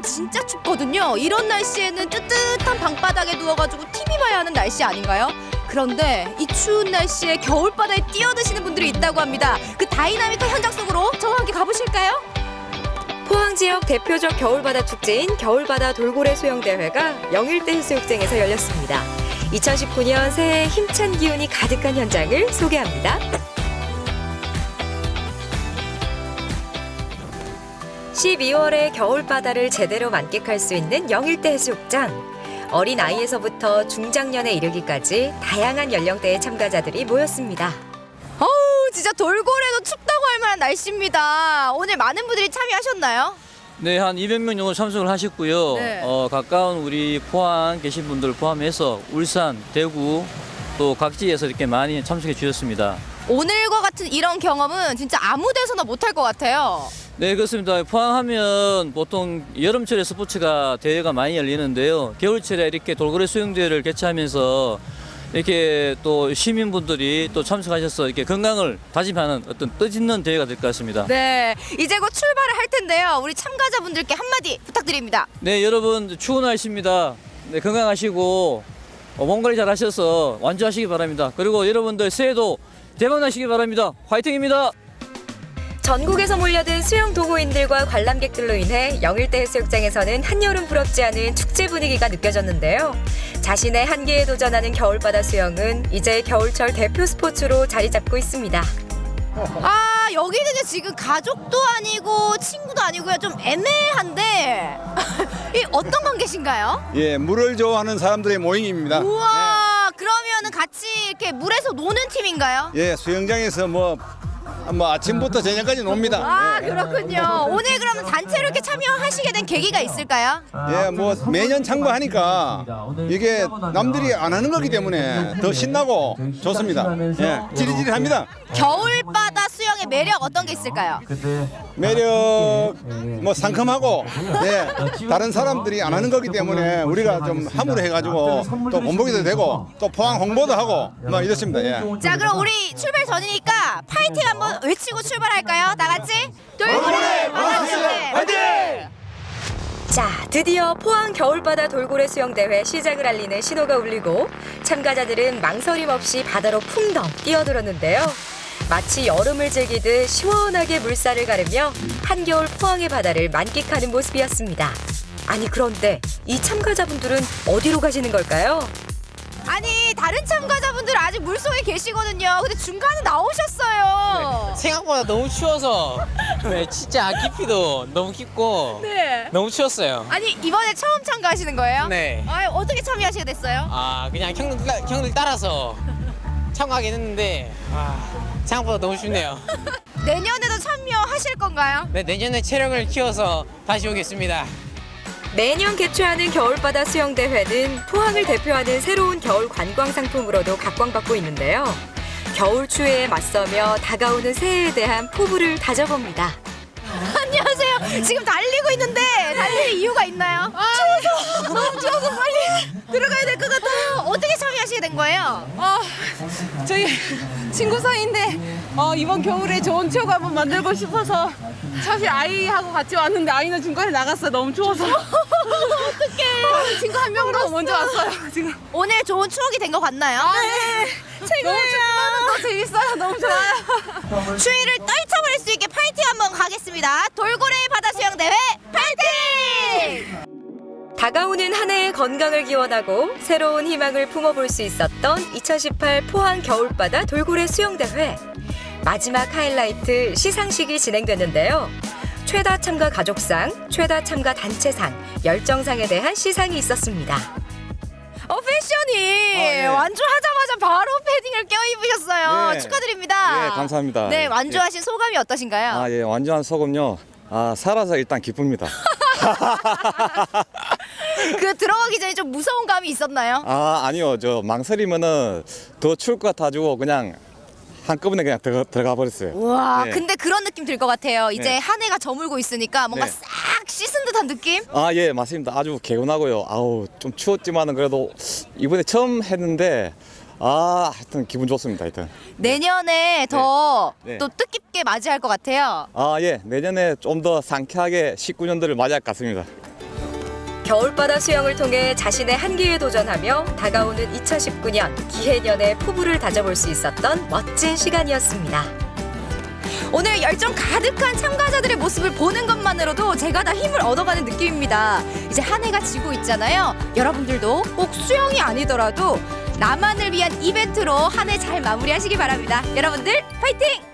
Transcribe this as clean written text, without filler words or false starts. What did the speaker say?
진짜 춥거든요. 이런 날씨에는 뜨뜻한 방바닥에 누워가지고 TV 봐야 하는 날씨 아닌가요? 그런데 이 추운 날씨에 겨울바다에 뛰어드시는 분들이 있다고 합니다. 그 다이나믹한 현장 속으로 저와 함께 가보실까요? 포항 지역 대표적 겨울바다 축제인 겨울바다 돌고래 수영대회가 영일대 해수욕장에서 열렸습니다. 2019년 새해 힘찬 기운이 가득한 현장을 소개합니다. 12월에 겨울바다를 제대로 만끽할 수 있는 영일대 해수욕장. 어린 아이에서부터 중장년에 이르기까지 다양한 연령대의 참가자들이 모였습니다. 어우, 진짜 돌고래도 춥다고 할 만한 날씨입니다. 오늘 많은 분들이 참여하셨나요? 네, 한 200명 정도 참석을 하셨고요. 네. 가까운 우리 포항 계신 분들 포함해서 울산, 대구 또 각지에서 이렇게 많이 참석해 주셨습니다. 오늘과 같은 이런 경험은 진짜 아무 데서나 못할 것 같아요. 네, 그렇습니다. 포항하면 보통 여름철에 스포츠가 대회가 많이 열리는데요. 겨울철에 이렇게 돌고래 수영대회를 개최하면서 이렇게 또 시민분들이 또 참석하셔서 이렇게 건강을 다짐하는 어떤 뜻있는 대회가 될 것 같습니다. 네, 이제 곧 출발을 할 텐데요. 우리 참가자분들께 한마디 부탁드립니다. 네, 여러분 추운 날씨입니다. 네, 건강하시고 몸 관리 잘 하셔서 완주하시기 바랍니다. 그리고 여러분들 새해도 대박 나시기 바랍니다. 화이팅입니다. 전국에서 몰려든 수영 동호인들과 관람객들로 인해 영일대 해수욕장에서는 한여름 부럽지 않은 축제 분위기가 느껴졌는데요. 자신의 한계에 도전하는 겨울바다 수영은 이제 겨울철 대표 스포츠로 자리 잡고 있습니다. 아, 여기는 지금 가족도 아니고 친구도 아니고요. 좀 애매한데 이 어떤 관계신가요? 예, 물을 좋아하는 사람들의 모임입니다. 우와, 그러면은 같이 이렇게 물에서 노는 팀인가요? 예, 수영장에서 뭐 아침부터 저녁까지 놉니다. 아, 예. 그렇군요. 오늘 그러면 단체로 이렇게 참여하시게 된 계기가 있을까요? 예, 뭐 매년 참가하니까 이게 남들이 안 하는 거기 때문에 더 신나고 좋습니다. 예, 찌릿찌릿합니다. 겨울바다 수영의 매력 어떤 게 있을까요? 매력 뭐 상큼하고 예, 다른 사람들이 안 하는 거기 때문에 우리가 좀 함으로 해가지고 또 본보기도 되고 또 포항 홍보도 하고 뭐 이렇습니다. 예. 자, 그럼 우리 출발 전이니까 파이팅 한번 외치고 출발할까요? 다 같이 돌고래 바다 수영대 파이팅! 자, 드디어 포항 겨울바다 돌고래 수영대회 시작을 알리는 신호가 울리고 참가자들은 망설임 없이 바다로 풍덩 뛰어들었는데요. 마치 여름을 즐기듯 시원하게 물살을 가르며 한겨울 포항의 바다를 만끽하는 모습이었습니다. 아니, 그런데 이 참가자분들은 어디로 가시는 걸까요? 아니, 다른 참가자분들 아직 물속에 계시거든요. 근데 중간에 나오셨어요. 생각보다 너무 추워서 네, 진짜 깊이도 너무 깊고 네. 너무 추웠어요. 아니, 이번에 처음 참가하시는 거예요? 네. 아, 어떻게 참여하시게 됐어요? 그냥 형들 따라서 참가하긴 했는데 생각보다 너무 춥네요. 내년에도 참여하실 건가요? 네, 내년에 체력을 키워서 다시 오겠습니다. 매년 개최하는 겨울바다 수영대회는 포항을 대표하는 새로운 겨울 관광 상품으로도 각광받고 있는데요. 겨울 추위에 맞서며 다가오는 새해에 대한 포부를 다져봅니다. 안녕하세요. 지금 달리고 있는데 달릴 이유가 있나요? 추워서 너무 추워서 빨리 들어가야 될 것 같아요. 어떻게 참여하시게 된 거예요? 저희 친구 사이인데 이번 겨울에 좋은 추억 한번 만들고 싶어서 사실 아이하고 같이 왔는데 아이는 중간에 나갔어요. 너무 추워서. 어떡해. 친구 한 명으로 먼저 왔어요. 지금. 오늘 좋은 추억이 된 것 같나요? 네. 너무 춥지만 더 재밌어요. 너무 좋아요. 추위를 떨쳐버릴 수 있게 파이팅 한번 가겠습니다. 돌고래 바다 수영대회 파이팅! 다가오는 한 해의 건강을 기원하고 새로운 희망을 품어볼 수 있었던 2018 포항 겨울바다 돌고래 수영대회. 마지막 하이라이트 시상식이 진행됐는데요. 최다 참가 가족상, 최다 참가 단체상, 열정상에 대한 시상이 있었습니다. 패션이 예. 완주하자마자 바로 패딩을 껴입으셨어요. 예. 축하드립니다. 예, 감사합니다. 네, 완주하신 소감이 어떠신가요? 예, 완전한 소금요. 살아서 일단 기쁩니다. 그 들어가기 전에 좀 무서운 감이 있었나요? 아니요. 저 망설이면은 더 추울 것 같아가지고 그냥 한꺼번에 그냥 들어가 버렸어요. 우와, 네. 근데 그런 느낌 들 것 같아요. 이제 네. 한 해가 저물고 있으니까 뭔가 네. 싹 씻은 듯한 느낌? 예, 맞습니다. 아주 개운하고요. 좀 추웠지만은 그래도 이번에 처음 했는데 하여튼 기분 좋습니다. 하여튼. 내년에 더 네. 또 뜻깊게 맞이할 것 같아요. 예, 내년에 좀 더 상쾌하게 19년도를 맞이할 것 같습니다. 겨울바다 수영을 통해 자신의 한계에 도전하며 다가오는 2019년 기해년의 포부를 다져볼 수 있었던 멋진 시간이었습니다. 오늘 열정 가득한 참가자들의 모습을 보는 것만으로도 제가 다 힘을 얻어가는 느낌입니다. 이제 한 해가 지고 있잖아요. 여러분들도 꼭 수영이 아니더라도 나만을 위한 이벤트로 한 해 잘 마무리하시기 바랍니다. 여러분들 파이팅!